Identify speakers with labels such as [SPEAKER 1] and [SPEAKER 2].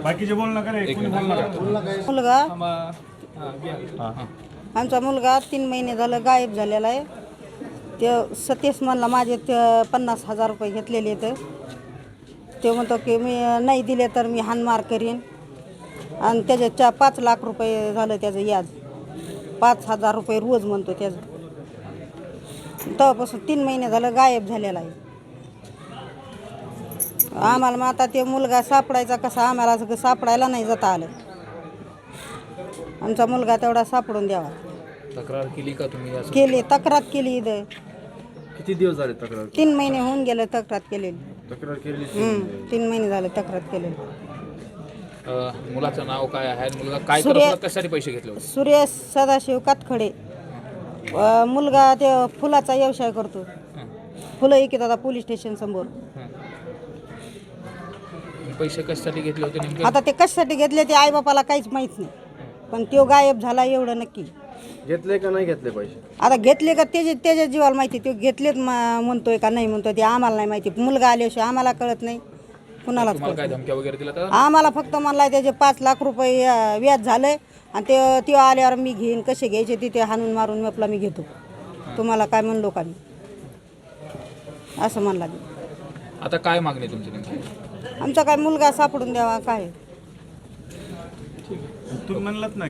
[SPEAKER 1] बाकीचे बोल नका रे, कोणी बोल नका.
[SPEAKER 2] मुलगा आमचा मुलगा 3 महिने झालं गायब झालेला आहे. ते सतीश म्हणला माझे 50,000 रुपये घेतलेले आहेत. ते म्हणतो की मी नाही दिले तर मी हाणमार करीन. आणि त्याचे 5 लाख रुपये झालं त्याचं याज. 5,000 रुपये रोज म्हणतो त्याचं. तेव्हापासून 3 महिने झालं गायब झालेला आहे. आम्हाला मग आता ते मुलगा सापडायचा कसा, आम्हाला सगळं सापडायला नाही जाता आलं. आमचा मुलगा तेवढा सापडून द्यावा.
[SPEAKER 3] तक्रार केली का तुम्ही?
[SPEAKER 2] केली, तक्रार केली. इथं
[SPEAKER 4] किती दिवस झाले तक्रार?
[SPEAKER 2] 3 महिने होऊन गेले तक्रार केलेली.
[SPEAKER 4] तक्रार केली
[SPEAKER 2] 3 महिने झाले तक्रार केलेली.
[SPEAKER 3] मुलाचं नाव काय आहे? मुलगा काय करत होता? कशासाठी पैसे घेतले होते?
[SPEAKER 2] सुरेश सदाशिव कातखडे. मुलगा ते फुलाचा व्यवसाय करतो. फुलं विकत आता पोलीस स्टेशन समोर.
[SPEAKER 3] पैसे कशासाठी घेतले होते नेमके?
[SPEAKER 2] आता ते कशासाठी घेतले ते आईबापाला काहीच माहीत नाही. पण तो गायब झाला एवढं नक्की.
[SPEAKER 4] घेतले का नाही घेतले पैसे?
[SPEAKER 2] आता घेतले का त्याच्या जीवाला माहिती. तो घेतलेत म्हणतोय का नाही म्हणतोय ते आम्हाला नाही माहिती. मुलगा आल्याशिवाय आम्हाला कळत नाही, कुणालाच
[SPEAKER 3] तुम्हाला काय
[SPEAKER 2] कळत
[SPEAKER 3] धमक्या वगैरे दिला तर?
[SPEAKER 2] आम्हाला फक्त म्हणला त्याचे 5 लाख रुपये व्याज झालंय आणि ते आल्यावर मी घेईन, कसे घ्यायचे तिथे हाणून मारून आपला मी घेतो. तुम्हाला काय म्हणलो का मी, असं म्हणला मी.
[SPEAKER 3] आता काय मागणी तुमची नेमकी?
[SPEAKER 2] आमचा काय मुलगा सापडून द्यावा काय.
[SPEAKER 1] तुम्ही म्हणलात ना